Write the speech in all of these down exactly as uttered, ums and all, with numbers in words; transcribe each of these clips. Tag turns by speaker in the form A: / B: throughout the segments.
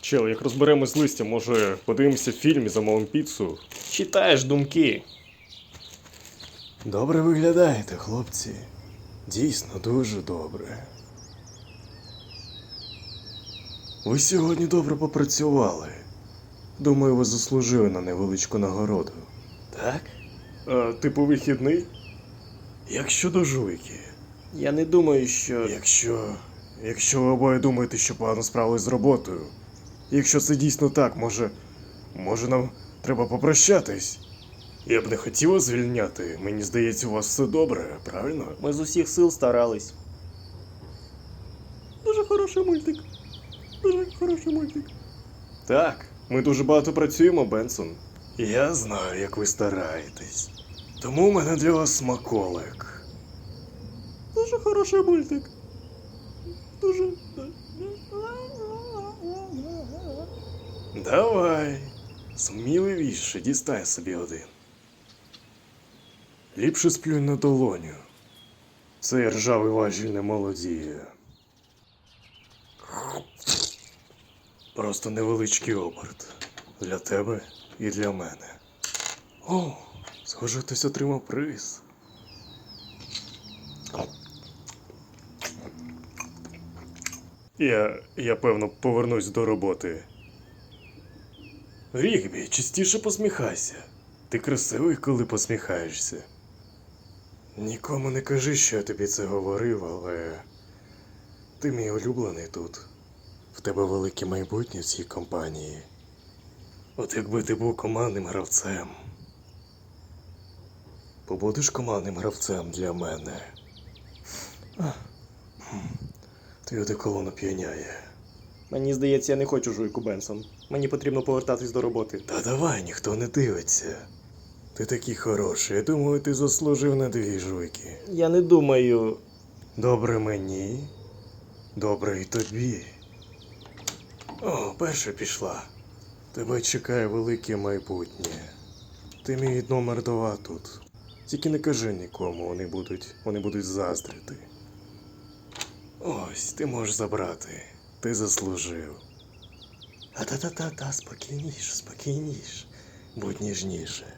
A: Чел, як розберемось з листя, може подивимося фільм і замовимо піцу? Читаєш думки.
B: Добре виглядаєте, хлопці. Дійсно, дуже добре. Ви сьогодні добре попрацювали. Думаю, ви заслужили на невеличку нагороду. Так?
A: А, типу вихідний?
B: Як щодо жуйки?
A: Я не думаю, що.
B: Якщо... Якщо ви обоє думаєте, що погано справились з роботою, якщо це дійсно так, може... Може нам треба попрощатись? Я б не хотів вас звільняти. Мені здається, у вас все добре, правильно?
A: Ми з усіх сил старались. Дуже хороший мультик. Дуже хороший мультик. Так, ми дуже багато працюємо, Бенсон.
B: Я знаю, як ви стараєтесь. Тому у мене для вас смаколик.
A: Дуже хороший мультик. Дуже.
B: Давай. Сміливіше, дістай собі один. Ліпше сплюнь на долоню. Цей ржавий важіль не молодіє. Просто невеличкий оберт. Для тебе і для мене. О, схоже, хтось отримав приз. Я, я певно, повернусь до роботи. Рігбі, частіше посміхайся. Ти красивий, коли посміхаєшся. Нікому не кажи, що я тобі це говорив, але... Ти мій улюблений тут. В тебе велике майбутнє в цій компанії. От якби ти був командним гравцем. Побудеш командним гравцем для мене. Твій одеколон оп'яняє.
A: Мені здається, я не хочу жуйку, Бенсон. Мені потрібно повертатись до роботи.
B: Та давай, ніхто не дивиться. Ти такий хороший, я думаю, ти заслужив на дві жуйки.
A: Я не думаю.
B: Добре мені, добре і тобі. О, перша пішла. Тебе чекає велике майбутнє. Ти мій номер два тут. Тільки не кажи нікому, вони будуть, вони будуть заздрити. Ось, ти можеш забрати. Ти заслужив. А та-та-та-та, спокійніше, спокійніше. Будь ніжніше.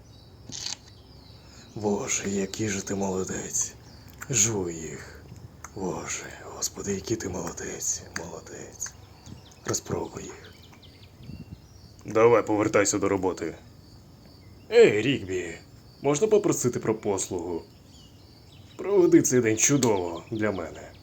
B: Боже, який же ти молодець. Жуй їх. Боже, Господи, який ти молодець, молодець. Розпробуй їх. Давай, повертайся до роботи. Ей, Рігбі, можна попросити про послугу? Проведи цей день чудово для мене.